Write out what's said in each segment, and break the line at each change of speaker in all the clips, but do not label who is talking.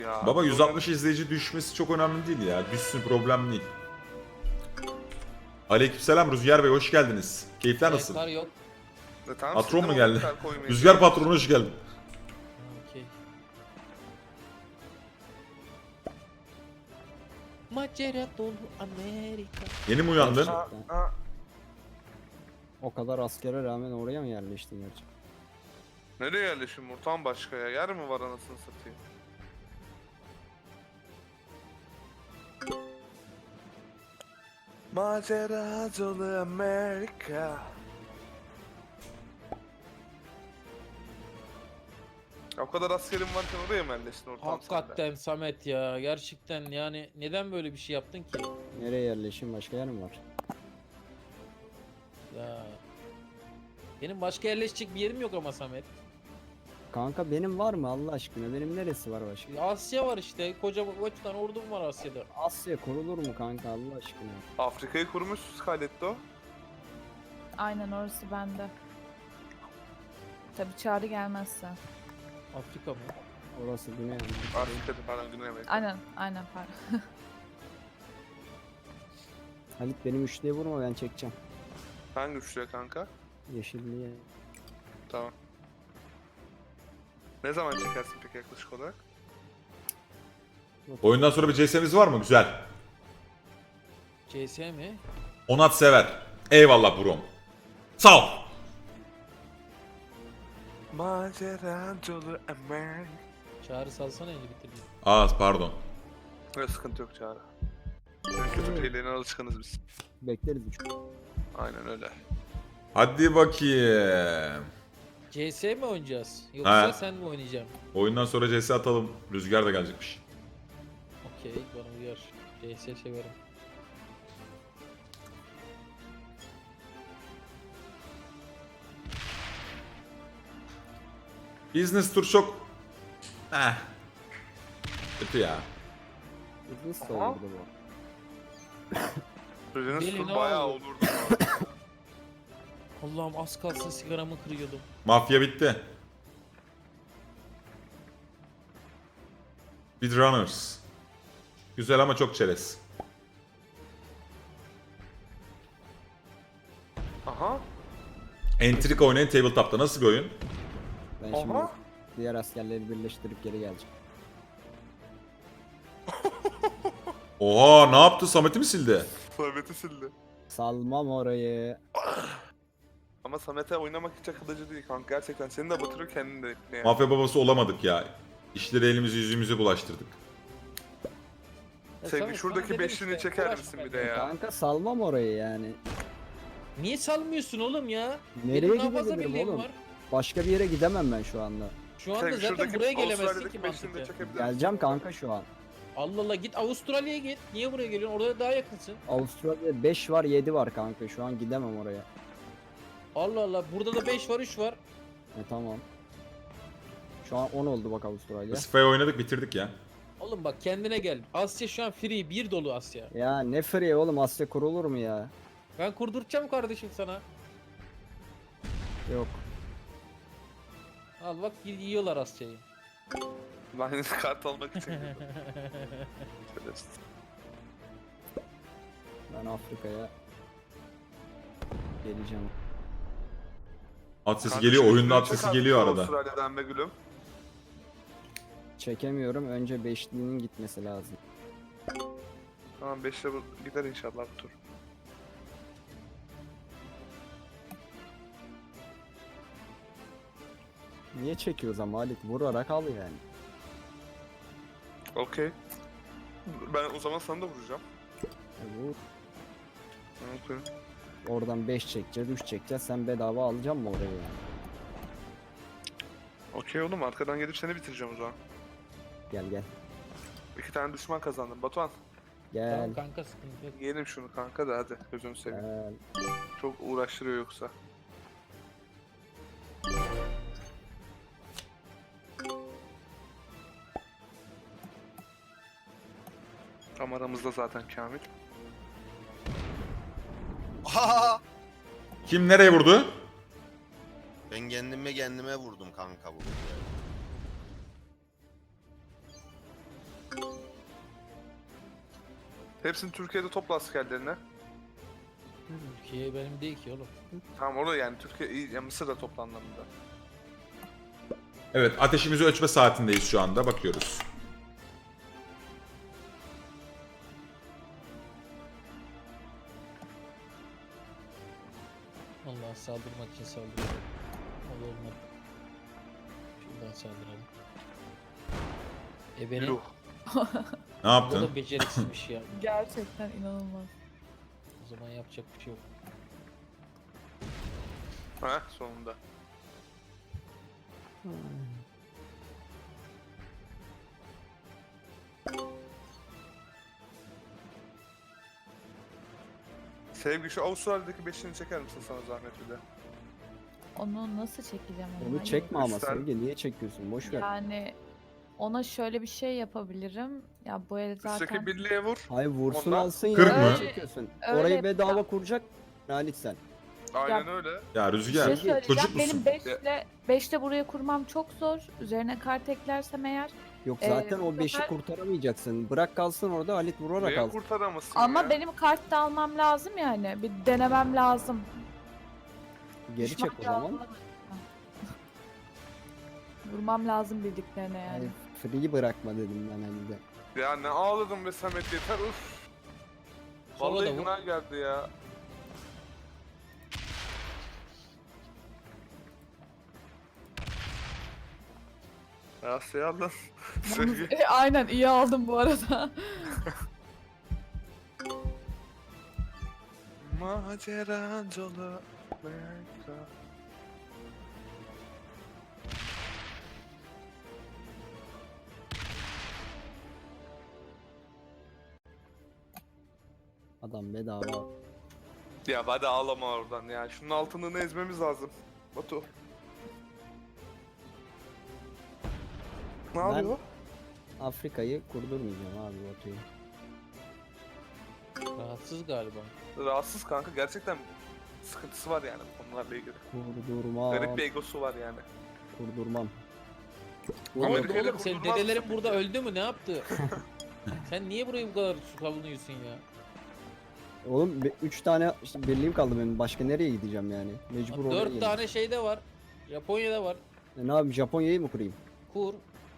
Ya,
Baba 160 izleyici düşmesi çok önemli değil ya. Düşsün, problem değil. Aleykümselam Rüzgar Bey, hoş geldiniz. Keyifler nasıl?
Kar yok.
Tamam,
Patron
siz de
mu
mi
geldi?
kar koymayı
Rüzgar
seviyorsunuz?
patronu hoş geldin.
Okey. Macera dolu Amerika.
Yeni mi uyandın?
Aa, aa.
O kadar askere rağmen oraya mı yerleştin gerçekten?
Nereye yerleşim Murtan başka ya? Yer mi var anasını satayım? Macera dolu Amerika. Ya o kadar askerim varken oraya mı yerleştin Ortam sen de?
Hakikaten Samet ya. Gerçekten yani neden böyle bir şey yaptın ki?
Nereye yerleşin, başka yer mi var?
Ya. Benim başka yerleşecek bir yerim yok ama Samet.
Kanka benim var mı Allah aşkına? Benim neresi var başka?
Asya var işte. Koca kaç tane ordum var Asya'da.
Asya kurulur mu kanka Allah aşkına?
Afrika'yı kurmuşsunuz Scarletto.
Aynen orası bende. Tabii çağrı gelmezse.
Afrika mı?
Orası Güney Amerika.
Afrika'da falan Güney Amerika.
Aynen pardon.
Halit benim üçlüye vurma, ben çekeceğim.
Hangi üçlüye kanka?
Yeşilliğe.
Tamam. Ne zaman çekersin peki yaklaşık olarak?
Oyundan sonra bir CS'miz var mı? Güzel.
CS mi?
Onat sever. Eyvallah brom. Sağ ol.
Macera dolu Amerika.
Çağrı salsana eli bitireyim.
Pardon.
Öyle sıkıntı yok Çağrı. Kötü şeylerine alışkınız biz.
Bekleriz üç.
Aynen öyle.
Hadi bakayım.
CS mi oynayacağız? Yoksa
Ha.
sen mi oynayacaksın?
Oyundan sonra CS atalım. Rüzgar da gelecekmiş.
Okey bana uyar. CS severim.
Business tur çok... Kötü ya.
Business
Aha.
olurdu bu.
Sözünüz
Deli
sur
ne
bayağı
oldu?
olurdu.
Allah'ım az kalsın sigaramı kırıyordum.
Mafya bitti. Speedrunners. Güzel ama çok çerez.
Aha.
Entrik oynayın tabletop'ta. Nasıl bir oyun?
Ben
Aha.
şimdi diğer askerleri birleştirip geri geleceğim.
Oha, ne yaptı? Samet'i mi sildi?
Samet'i sildi.
Salmam orayı.
Ama Samet'e oynamak hiç akıllıcı değil kanka. Gerçekten seni de batırıyor kendini de. Yani.
Mafya babası olamadık ya. İşleri elimizi yüzümüze bulaştırdık.
Ya
Sevgi
Samet,
şuradaki
sana dedim
beşliğini
işte,
çeker
uğraşma
misin bir
bence.
de ya?
Kanka salmam orayı yani.
Niye salmıyorsun oğlum ya?
Nereye
Benim daha fazla
gidebilirim
birliğim
oğlum?
var.
Başka bir yere gidemem ben şu anda.
Şu anda
Sevgi,
zaten
şuradaki
buraya gelemezsin
Avustralya'daki
ki
beşliğini de
mantıklı.
çekebilir misin?
Geleceğim kanka şu an.
Allah Allah git Avustralya'ya git. Niye buraya geliyorsun? Orada daha yakınsın.
Avustralya'da 5 var 7 var kanka, şu an gidemem oraya.
Allah Allah burada da 5 var 3 var.
Tamam. Şu an 10 oldu bak Avustralya.
Spy oynadık, bitirdik ya.
Oğlum bak kendine gel. Asya şu an free bir dolu Asya.
Ya ne free oğlum, Asya kurulur mu ya?
Ben kurduracağım kardeşim sana.
Yok.
Al bak yiyorlar Asya'yı.
Ben kart almak için girdim. Şerefsiz.
Ben Afrika'ya geleceğim.
At sesi
Kanka
geliyor,
şu
oyunda at
üstünü
sesi
çek
geliyor
artık
arada.
Avustralya'dan be gülüm.
Çekemiyorum. Önce beşlinin gitmesi lazım.
Tamam 5'le gider inşallah bu tur.
Niye çekiyoruz ama Halit? Vurarak al yani.
Okey. Ben o zaman sana da vuracağım.
Vur.
Okey.
Oradan 5 çekeceğiz, 3 çekeceğiz. Sen bedava alacaksın mı orayı yani?
Okey oğlum arkadan gelip seni bitireceğim o zaman.
Gel gel.
2 tane düşman kazandım. Batuhan
Gel.
Tamam kanka sıkıntı yok.
yiyelim şunu kanka da hadi gözünü seveyim.
Gel.
Çok uğraştırıyor yoksa. Tam aramızda zaten Kamil.
Aha!
Kim nereye vurdu?
Ben kendime vurdum kanka bu.
Hepsini Türkiye'de topla askerlerine.
Türkiye benim değil ki oğlum.
Tamam orada yani Türkiye, ya Mısır'da topla anlamında.
Evet, ateşimizi ölçme saatindeyiz şu anda. Bakıyoruz.
Allah saldırmak için saldırıyor. O da olmadı. Şuradan saldıralım. Benim
Yuh.
Ne
o
yaptın?
da beceriksizmiş ya.
Gerçekten inanılmaz.
O zaman yapacak bir şey yok.
Heh sonunda. Sevgi şu Avustralya'daki beşini çeker misin sana zahmet bir de?
Onu nasıl çekeceğim ama?
Onu
Hayır.
çekme ama
Göster.
Sevgi. Niye çekiyorsun? Boş ver.
Yani ona şöyle bir şey yapabilirim. Ya bu el zaten...
Üstteki birliğe vur.
Hayır vursun
Ondan-
alsın ya.
Kırk mı?
Niye çekiyorsun?
Öyle
Orayı bedava
yapacağım.
kuracak. Halit sen.
Aynen öyle.
Ya
Bir
Rüzgar,
şey söyleyeceğim.
çocuk
Benim
musun?
5'le buraya kurmam çok zor. Üzerine kart eklersem eğer.
Yok zaten
bu
o 5'i
sefer-
kurtaramayacaksın. Bırak kalsın orada Halit vurarak
Niye
alsın.
kurtaramazsın
Ama
ya?
benim kart da almam lazım yani. Bir denemem lazım.
Geri
Düşman
çek o zaman.
lazım. Vurmam lazım bildiklerine yani.
Yani free bırakma dedim ben Halil'de.
Ya ne ağladım be Samet yeter uf.
Sola
Vallahi
da vur.
günah geldi ya. Ya şey aldın. Sevgi.
Aynen iyi aldım bu arada.
Macera dolu Amerika.
Adam bedava.
Ya hadi ağlama oradan ya. Şunun altını ezmemiz lazım. Batu. Ne
Ben-
yapıyor?
Afrika'yı kurdurmayacağım abi Batu'yu.
Rahatsız galiba.
Rahatsız kanka gerçekten sıkıntısı var yani bu konularla ilgili.
Kurdurmam.
Garip bir egosu var yani.
Kurdurmam.
Ne
Ama
oldu
Amerika'yla
oğlum? Senin
kurdurmaz
dedelerin
mısın
burada
peki?
öldü mü? Ne yaptı? Sen niye burayı bu kadar savunuyorsun ya?
Oğlum 3 tane işte birliğim kaldı benim. Başka nereye gideceğim yani? Mecbur oraya
4
geleceğim.
tane şeyde var. Japonya'da var.
Ne yapayım Japonya'yı mı kurayım?
Kur.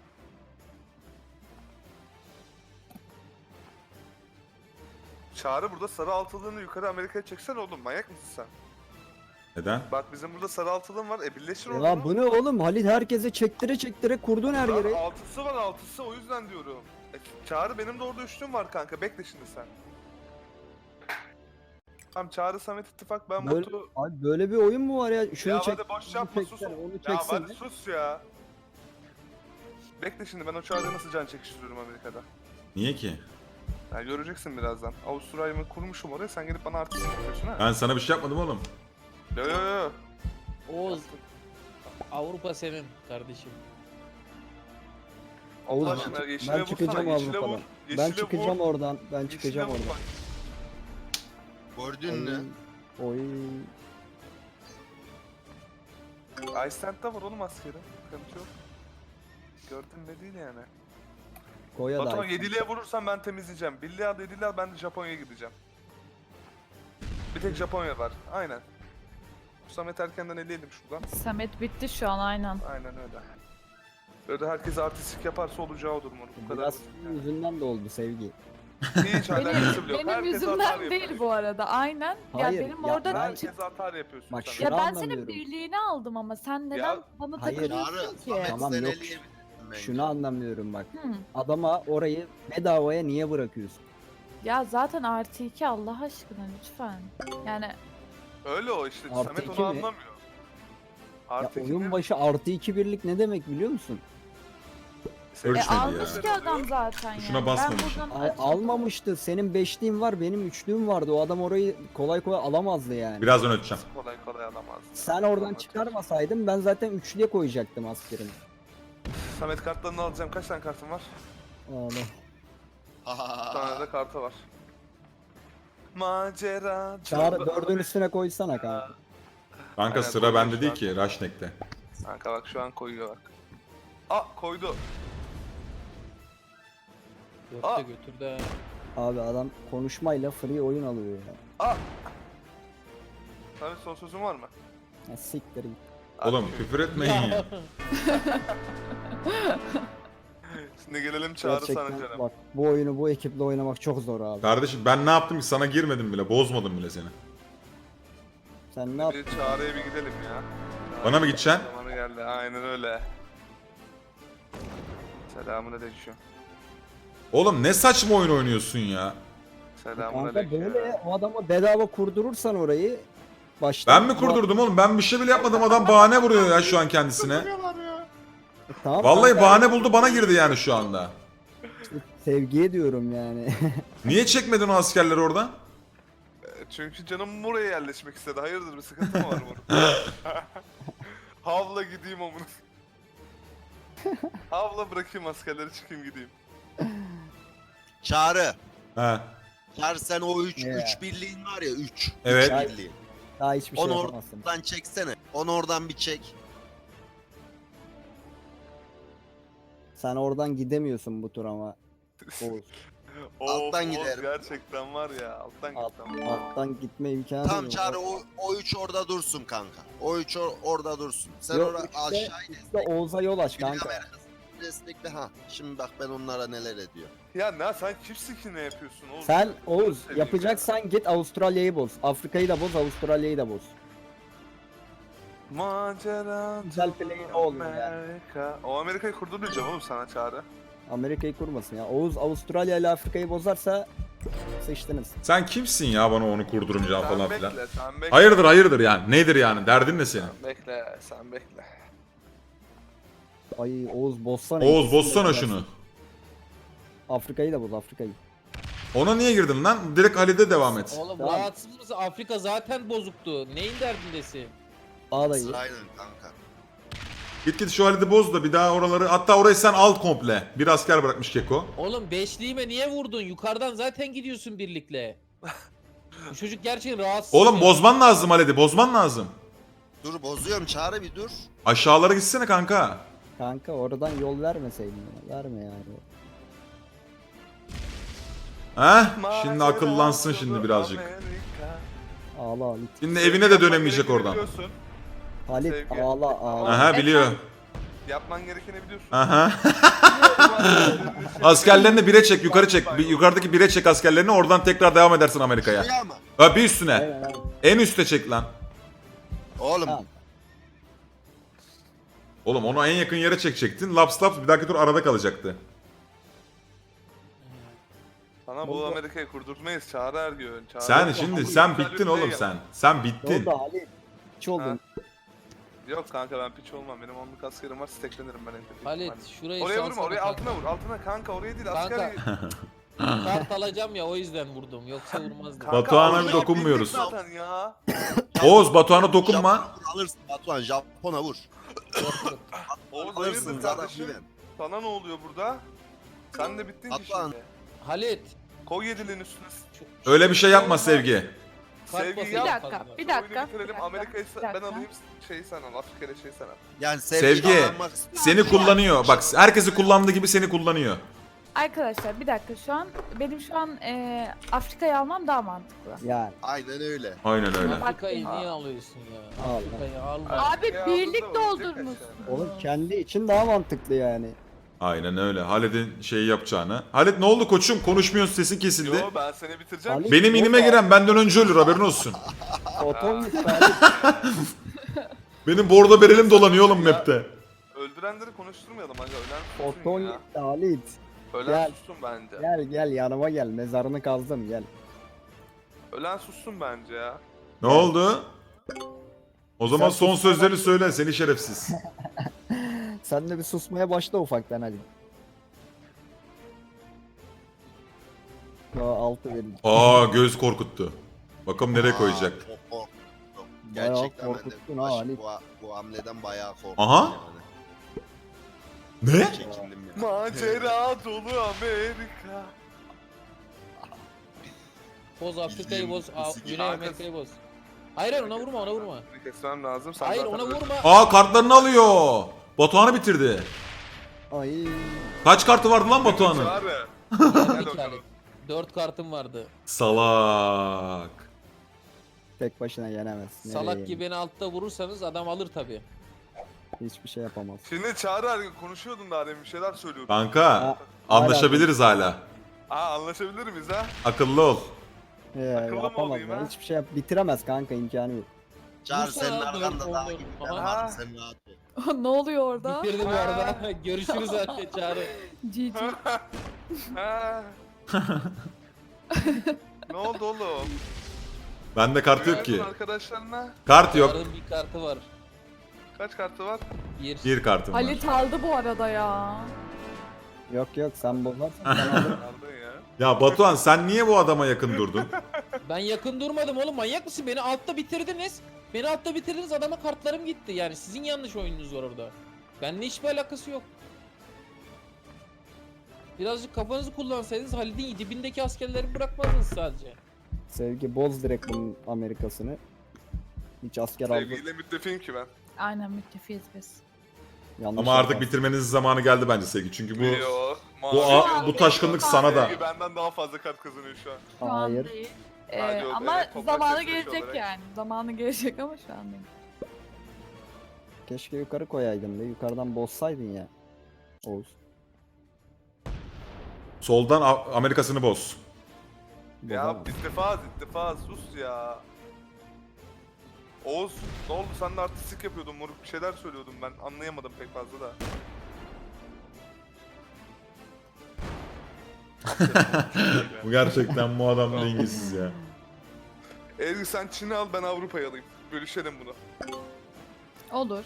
Çağrı burada sarı altılığını yukarı Amerika'ya çeksen oğlum manyak mısın sen?
Neden?
Bak bizim burada sarı altılığın var birleşir orada.
Ya bu ne oğlum? Halit herkese çektire çektire kurdun her yere.
Altısı var altısı o yüzden diyorum. Çağrı benim de orada üçlüm var kanka bekle şimdi sen. Tamam Çağrı Samet İttifak ben
Böyle,
Batu.
abi böyle bir oyun mu var ya? Şunu
Ya
çek.
hadi boş
bunu
yapma sus.
çeksene, onu
Ya
çeksene.
hadi sus ya. Bekle şimdi ben o Çağrı'ya nasıl can çekiştiriyorum Amerika'da.
Niye ki?
Ya göreceksin birazdan. Avustralya'mı kurmuşum oraya sen gelip bana artist yapıyorsun ha.
Ben sana bir şey yapmadım oğlum.
Yo yo yo.
Oğuz. Avrupa senin kardeşim.
Allah
Oğuz,
aşkına
ben
yeşile vursana
çıkacağım
yeşile
Avrupa'dan.
vur.
Ben
Yeşile
çıkacağım
vur.
oradan. Ben
Yeşile
çıkacağım
vur
oradan.
bak.
Gördün mü?
Oy.
Iceland'da var oğlum askeri. Sıkıntı yok. Gördün de değil yani.
Koya da.
Batuhan 7'liye vurursan ben temizleyeceğim. Birliğe al 7'liye al ben de Japonya'ya gideceğim. Bir tek Japonya var. Aynen. Samet erkenden eleyelim şuradan.
Samet bitti şu an aynen.
Aynen öyle. Böyle herkes artistik yaparsa olacağı odur mu? Bu kadar
Biraz
basit yani.
yüzünden de oldu sevgi.
Hiç alakası bile yok.
Benim
Herkes hatar
yüzümden değil
yapıyor.
bu arada aynen.
Hayır,
ya benim
ya
orada
ben-
Herkes hatar yapıyorsun
Bak
sen.
şu-
ya
Şunu
ben
anlamıyorum.
senin birliğini aldım ama sen neden
Ya,
bana
hayır.
takılıyorsun
Çağrı,
ki?
Samet
Tamam,
sen
yok.
eleyebilirsin bence.
Şunu anlamıyorum bak.
Hı.
Adama orayı bedavaya niye bırakıyorsun?
Ya zaten artı 2 Allah aşkına lütfen. Yani
Öyle o işte.
Artı
Samet
iki
onu
mi?
anlamıyor.
Ya
Artı iki
oyun
mi?
başı artı 2 birlik ne demek biliyor musun?
Senin
Ölçmedi ya.
almış ki adam zaten
Tuşuna
yani.
basmamış.
Ben buradan
Ay,
açıldım.
almamıştı. Senin 5'liğin var, benim 3'lüğüm vardı. O adam orayı kolay kolay alamazdı yani.
Birazdan ölçeceğim.
Kolay kolay alamaz.
Sen oradan çıkarmasaydın ben zaten 3'lüye koyacaktım askerimi.
Samet kartlarını alacağım. Kaç tane kartın var?
Allah.
Bir tane de kartı var. Macera.
Çağrı 4'ün üstüne koysana kanka.
Kanka
Aynen,
sıra
koymuş
bende değil
şu
ki, Raşnek'te.
Kanka bak şu an koyuyor bak. Aa koydu.
Dörtte
Aa.
götür de.
Abi adam konuşmayla free oyun alıyor ya.
Aa! Samet son sözün var mı?
Ya siktir git.
Oğlum küfür etmeyin ya.
Şimdi gelelim Çağrı sana
Gerçekten
canım.
bak bu oyunu bu ekiple oynamak çok zor abi.
Kardeşim ben ne yaptım ki sana girmedim bile. Bozmadım bile seni.
Sen ne yap?
Bir Çağrı'ya bir gidelim ya.
Bana mı gideceksin?
Zamanı geldi. Aynen öyle. Selamünaleyküm.
Oğlum ne saçma oyun oynuyorsun ya.
Kanka
Selamünaleyküm.
böyle o adama bedava kurdurursan orayı baştan...
Ben mi kurdurdum oğlum? Ben bir şey bile yapmadım. Adam bahane vuruyor ya şu an kendisine.
Tamam,
Vallahi
kanka,
bahane buldu bana girdi yani şu anda.
sevgiye diyorum yani.
Niye çekmedin o askerleri oradan?
Çünkü canım buraya yerleşmek istedi. Hayırdır bir sıkıntı mı var burada? Havla gideyim amına. Havla bırakayım askerleri çıkayım gideyim.
Çağrı.
He.
Çağrı sen o 3
Yeah.
birliğin var ya 3.
Evet.
Birliğin.
Daha hiçbir şey
Onu
yapamazsın.
oradan çeksene. Onu oradan bir çek.
Sen oradan gidemiyorsun bu tur ama. Oğuz.
Alttan
Of,
giderim.
gerçekten var ya alttan
Alt,
gittim.
alttan gitme imkanı
Tamam
yok.
Çağrı o 3 orada dursun kanka. O 3 orada dursun. Sen
Yok,
orada
üçte-
aşağı
İşte Oğuz'a yol aç
Güney
kanka.
Amerika'sını destekle ha. Şimdi bak ben onlara neler ediyor.
Ya ne sen kimsin ki ne yapıyorsun oğlum?
Sen Oğuz
Seveyim
yapacaksan git Avustralya'yı boz. Afrika'yı da boz, Avustralya'yı da boz.
ya. Macera.
Güzel play'in o oluyor yani.
Amerika. O Amerika'yı kurduracağım oğlum sana Çağrı.
Amerika'yı kurmasın ya. Oğuz Avustralya ile Afrika'yı bozarsa sıçtınız.
Sen kimsin ya bana onu kurdurunca
Sen
falan
bekle,
filan?
sen bekle.
Hayırdır hayırdır yani. Nedir yani? Derdin ne senin?
Sen bekle, sen bekle.
Ay Oğuz bozsana.
Oğuz
ikisini de
bozsana
bozarsan.
şunu.
Afrika'yı da boz, Afrika'yı.
Ona niye girdin lan? Direkt Halide devam et.
Oğlum
Tamam.
rahatsız mısın? Afrika zaten bozuktu. Neyin derdindesin?
Ağdayı.
Sırayla kanka.
Git şu Halide boz da bir daha oraları. Hatta orayı sen al komple. Bir asker bırakmış Keko.
Oğlum beşliğime niye vurdun? Yukarıdan zaten gidiyorsun birlikle. Bu çocuk gerçekten rahatsız.
Oğlum
ya.
bozman lazım Halide. Bozman lazım.
Dur bozuyorum Çağrı bir dur.
Aşağılara gitsene kanka.
Kanka oradan yol vermeseydin ya. Verme yani.
Heh? Şimdi akıllansın şimdi birazcık.
Amerika.
Ağla Halit.
Şimdi evine de dönemeyecek
Yapman
oradan.
gerekeni biliyorsun.
Halit
Sevgi.
ağla ağla.
Aha biliyor.
Yapman gerekeni biliyorsun.
Aha. Askerlerini bire çek, yukarı çek. Yukarıdaki bire çek askerlerini, oradan tekrar devam edersin Amerika'ya.
Şuraya mı?
Ha bir üstüne.
Aynen, aynen.
En üste çek lan.
Oğlum
Tamam.
Oğlum onu en yakın yere çekecektin. Laps laps bir dahaki tur arada kalacaktı.
Sana bu Amerika'yı kurdurtmayız Çağrı Ergün. Çağrı
Sen
Ergün.
şimdi
Ama
sen
güzel
bittin
bir
oğlum
play
sen.
yap.
Sen
Ne
bittin.
oldu Halit? Hiç oldun.
Ha. Yok kanka ben piç olmam. Benim onluk askerim var. Steklenirim ben evde.
Halit şurayı
Oraya vurma,
salsana
oraya
kanka.
altına vur. Altına kanka oraya değil
Kanka.
asker.
Kart alacağım ya o yüzden vurdum. Yoksa vurmazdım.
Kanka,
Batuhan'a
altına
bir dokunmuyoruz.
bildik Zaten ya.
Oğuz Batuhan'a dokunma.
Japon'a vur, alırsın Batuhan Japon'a vur.
Oğuz
Alırsın
hayırdır
zaten
kardeşim?
güven.
Sana ne oluyor burada? Sen de bittin ki
Batuhan.
şimdi.
Halit.
Koy yedilin üstüne.
Öyle bir şey yapma Sevgi.
Kart
Sevgi
basın
yap.
Bir
fazla.
dakika, bir
Oyunu
dakika.
bitirelim.
bir
Amerika'yı
dakika,
ben
bir dakika.
alayım. Şeyi sen al. Afrika'yı şeyi sen al.
Yani
Sevgi.
kazanmak istiyorum.
Seni kullanıyor. Bak herkesi kullandığı gibi seni kullanıyor.
Arkadaşlar bir dakika şu an benim şu an Afrika'yı almam daha mantıklı.
Yani
Aynen öyle.
Aynen öyle.
Afrika'yı niye alıyorsun ya?
Al.
Afrika'yı alma.
Abi
Ya,
birlik
burada ölecek
doldurmuş.
aşağıda.
oğlum kendi için daha mantıklı yani.
Aynen öyle. Halid'in şeyi yapacağını. Halid ne oldu koçum? Konuşmuyorsun, sesin kesildi.
Yo ben seni bitireceğim.
Ali-
Benim inime giren benden önce ölür, haberin olsun.
Oton gitti Halit.
Benim bordo berelim dolanıyor oğlum map'te.
Öldürenleri konuşturmayalım aga. Ölen sussun
Oton
ya.
gitti Halit.
Ölen
Gel.
sussun bence.
Gel gel yanıma gel. Mezarını kazdım gel.
Ölen sussun bence ya.
Ne oldu? O zaman
Sen
son
sus-
sözlerini söyle seni şerefsiz.
Sen de bir susmaya başla ufaktan hadi. Aa, altı verin.
Aa göz korkuttu. Bakalım nereye koyacak.
Çok korktum.
Bayağı
Gerçekten ben de
korkuttun ha Ali.
bu hamleden bayağı korktum.
Aha.
Yani.
Ne?
Çekindim ya.
Macera dolu Amerika.
Boz Afrika'yı boz.
Bizim-
Güney Amerika'yı boz. Hayır ona vurma ona vurma.
Bir kesmem lazım. Sen
Hayır
zaten
ona
öldün.
vurma.
Aa kartlarını alıyor. Batuhan'ı bitirdi.
Ay.
Kaç kartı vardı lan Batuhan'ın?
Çağrı.
Gel
Gel
bir
bakalım.
Halit. 4 kartım vardı.
Salak.
Tek başına yenemez. Nereye
Salak
yenir?
gibi beni altta vurursanız adam alır tabi.
Hiçbir şey yapamaz.
Şimdi Çağrı abi konuşuyordun daha demin bir şeyler söylüyordun.
Kanka
Ha,
anlaşabiliriz hala.
Anlaşabilir miyiz ha?
Akıllı ol.
Akıllı mı
Yapamaz
olayım
ya.
ha?
Hiçbir şey bitiremez kanka, imkanı yok.
Çağır
Vursana
senin
abi,
arkanda
doğru,
daha
doğru.
gibiler
Aha.
var. Sen rahat ol.
Ne oluyor orada?
Bitirdim bu arada. Görüşürüz anne Çağrı.
GG.
Ha. Ne oldu oğlum?
Bende kart yok ki.
Güvensin arkadaşlarına.
Kart yok.
Çağrı'nın bir kartı var.
Kaç kartı var?
Bir kartım var.
Halit aldı bu arada ya.
Yok sen bozarsan sen alırım.
Aldın ya.
Ya Batuhan sen niye bu adama yakın durdun?
Ben yakın durmadım oğlum, manyak mısın? Beni altta bitirdiniz. Beni altta bitirdiniz, adama kartlarım gitti. Yani sizin yanlış oyununuz var orada. Benimle hiçbir alakası yok. Birazcık kafanızı kullansaydınız Halid'in dibindeki askerleri bırakmazdınız sadece.
Sevgi boz direkt bunun Amerikasını. Hiç asker aldı.
Sevgiyle müttefiğim ki ben.
Aynen müttefiyiz biz.
Yanlış
Ama artık
yaparsın.
bitirmenizin zamanı geldi bence Sevgi. Çünkü bu
Yok.
bu taşkınlık sana da.
Sevgi benden daha fazla kart kazanıyor şu an.
Şu an
Hayır.
değil.
Hadi o
Ama
evet, toprak
zamanı
sesleşi
gelecek
olarak.
yani. Zamanı gelecek ama şu an değil.
Keşke yukarı koyaydın be. Yukarıdan bozsaydın ya. Oğuz.
Soldan Amerikasını boz.
Ya
Bozamaz.
ittifaz sus ya. Oğuz ne oldu, sen de artistik yapıyordun moruk, bir şeyler söylüyordum ben anlayamadım pek fazla da.
Bu gerçekten bu adam dengesiz ya.
Ezgi sen Çin'i al, ben Avrupa'yı alayım. Bölüşelim bunu.
Olur.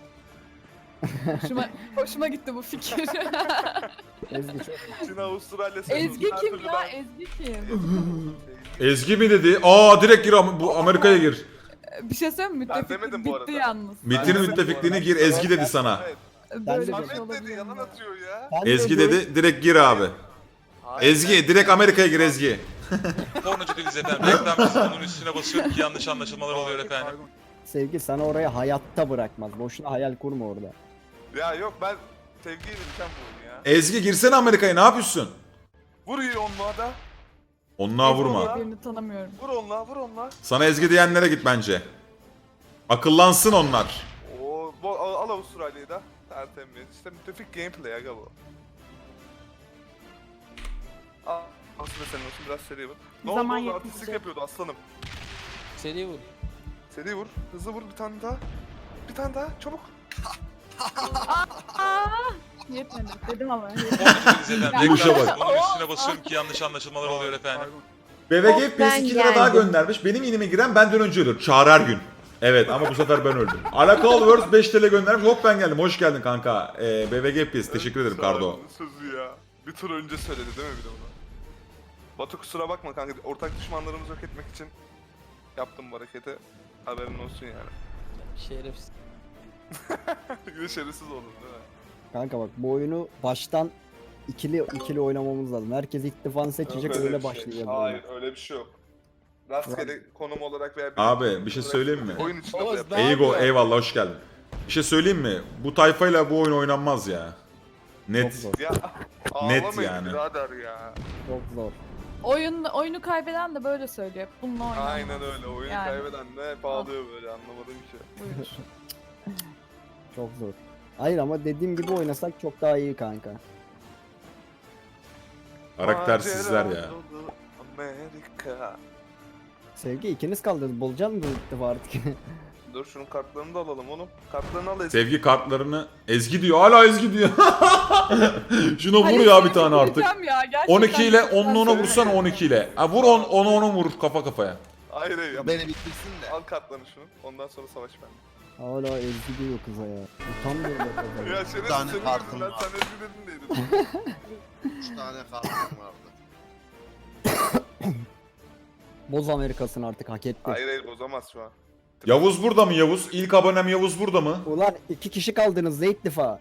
Hoşuma gitti bu fikir.
Ezgi çok.
Çin, Avustralya, sen
Ezgi
her
kim
türlü
ya?
ben-
Ezgi kim?
Ezgi mi dedi? Aa direkt gir bu Amerika'ya gir.
Bir şey söyleyeyim mi?
Ben
Müttefiklik
demedim bu arada.
bitti yalnız.
MIT'in müttefikliğine gir. Ezgi dedi sana.
Evet.
Böyle bir
de-
şey
Ahmet dedi,
olabilir
yalan
mi?
atıyor ya.
Ben de
Ezgi
böyle-
dedi direkt gir abi.
Hayır,
Ezgi direkt Amerika'ya gir Ezgi.
Pornocu değiliz efendim. Reklam bunun üstüne basıyorum ki yanlış anlaşılmalar oluyor efendim.
Sevgi sana oraya hayatta bırakmaz. Boşuna hayal kurma orada.
Ya yok, ben sevgiyle biten bu oyun ya.
Ezgi girsene Amerika'ya, ne yapıyorsun?
Vur iyi onluğa da.
Onluğa vurma.
Birini tanımıyorum.
Vur onluğa.
Sana Ezgi diyenlere git bence. Akıllansın onlar.
Oo, al Avustralya'yı da. Tertemiz. İşte müttefik gameplay aga bu. Al. Aslında senin olsun, biraz seri vur. Ne
Zaman
oldu?
yetmeyecek.
Artistlik yapıyordu aslanım.
Seri vur.
Seri vur. Hızlı vur bir tane daha. Bir tane daha. Çabuk.
Yetmedi. Dedim ama.
Pornocu değiliz efendim.
Yumuşa
Reklam
bak.
bunun üstüne basıyorum ki yanlış anlaşılmalar oluyor efendim.
BBG
Hop, ben
2 lira daha
geldim.
göndermiş. Benim inime giren benden önce ölür. Çağrı her gün. Evet ama bu sefer ben öldüm. Alakalı Words 5 TL göndermiş. Hop ben geldim. Hoş geldin kanka. BBG PS teşekkür ederim Kardo.
Sözü ya. Bir tur önce söyledi değil mi bir de bunu? Batu kusura bakma kanka. Ortak düşmanlarımızı yok etmek için yaptım bu hareketi. Haberin olsun yani.
Şerefsiz.
Yine şerefsiz oldun değil mi?
Kanka bak bu oyunu baştan ikili oynamamız lazım. Herkes ittifakını seçecek,
Yok
öyle
bir şey.
başlayacağız.
Hayır öyle bir şey yok. Rastgele konum olarak veya
Abi bir şey söyleyeyim mi?
oyun içinde
Oğuz,
bu yapıyor.
ne
Ego
yapıyor?
eyvallah hoş geldin. Bir şey söyleyeyim mi? Bu tayfayla bu oyun oynanmaz ya. Net.
Çok zor.
Ya
Net
ağlamayın
yani.
birader ya.
Çok zor.
Oyunu kaybeden de böyle söylüyor. Bununla oynanmaz.
Aynen öyle. Oyunu
Yani.
kaybeden de hep ağlıyor böyle, anlamadım ki.
Buyur.
Çok zor. Hayır ama dediğim gibi oynasak çok daha iyi kanka.
Karaktersizler ya.
Macera dolu Amerika.
Sevgi ikiniz kaldınız. Bulacaksın mı bu ittifakı artık?
Dur şunun kartlarını da alalım oğlum. Kartlarını al Ezgi.
Sevgi kartlarını Ezgi diyor. Hala Ezgi diyor. Şuna vur
Hayır,
ya bir
seni
tane artık.
vuracağım ya, gerçekten
12 ile
çok
10'unu ona
güzel
vursan
söylüyor.
12 ile. Ha, vur 10'u vur kafa kafaya.
Hayır hayır.
Ya beni bitirsin de.
Al kartlarını şunu. Ondan sonra savaş ben.
Hala Ezgi diyor kıza ya. Utanmıyor da kıza.
Ya şerefsiz
tane
senin
kartım
yüzünden
var.
sen Ezgi dedin neydi?
3 tane kartım vardı.
Boz Amerikasını artık hak etti.
Hayır hayır bozamaz şu an.
Yavuz burada mı Yavuz? İlk abonem Yavuz burada mı?
Ulan 2 kişi kaldınız ne ittifakı?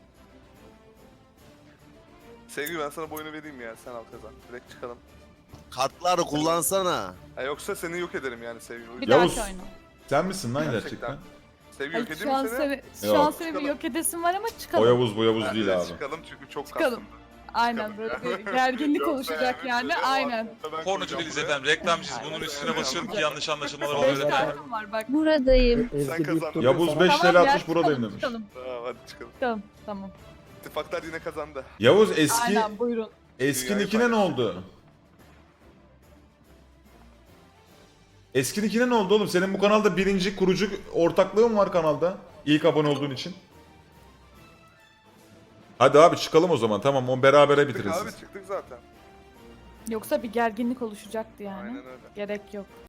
Sevgi ben sana bu oyunu vereyim ya, sen al kazan. Direkt çıkalım.
Kartları kullansana.
Ha, yoksa seni yok ederim yani Sevgi.
Bir
Yavuz.
dahaki oyna.
Sen misin lan
Gerçekten.
gerçekten?
Sevgi yok
Hayır,
edeyim
şu an
mi seni?
şu an
Yok.
seni bir
Çıkalım.
yok edesim var ama
O
çıkalım.
Yavuz bu Yavuz
Bence
değil
de
abi.
Çıkalım çünkü çok
Çıkalım.
kastım.
Aynen böyle bir gerginlik
Yoksa
oluşacak yani.
böyle
Aynen.
o- ben
Pornocu
koyacağım
değiliz
buraya.
efendim. Reklamcıyız. Bunun üstüne basıyorum ki yanlış anlaşılmalar
5
olabilir efendim.
kartım var bak.
Buradayım.
Ezgi
Sen kazandın.
Dürttür'ü
Yavuz
sana-
5
Tamam
TL
ya,
atmış buradayım
çıkalım,
demiş.
çıkalım,
Tamam hadi çıkalım.
çıkalım. Tamam.
İttifaklar yine kazandı.
Yavuz eski
Aynen buyurun.
eski
Dünyayı
nickine ne
paylaş.
oldu? Eski nickine ne oldu oğlum? Senin bu kanalda birinci kurucu ortaklığın var kanalda. İlk abone olduğun için. Hadi abi çıkalım o zaman. Tamam o berabere
Çıktık
bitiririz.
abi çıktık zaten.
Yoksa bir gerginlik oluşacaktı yani.
Aynen öyle.
Gerek yok.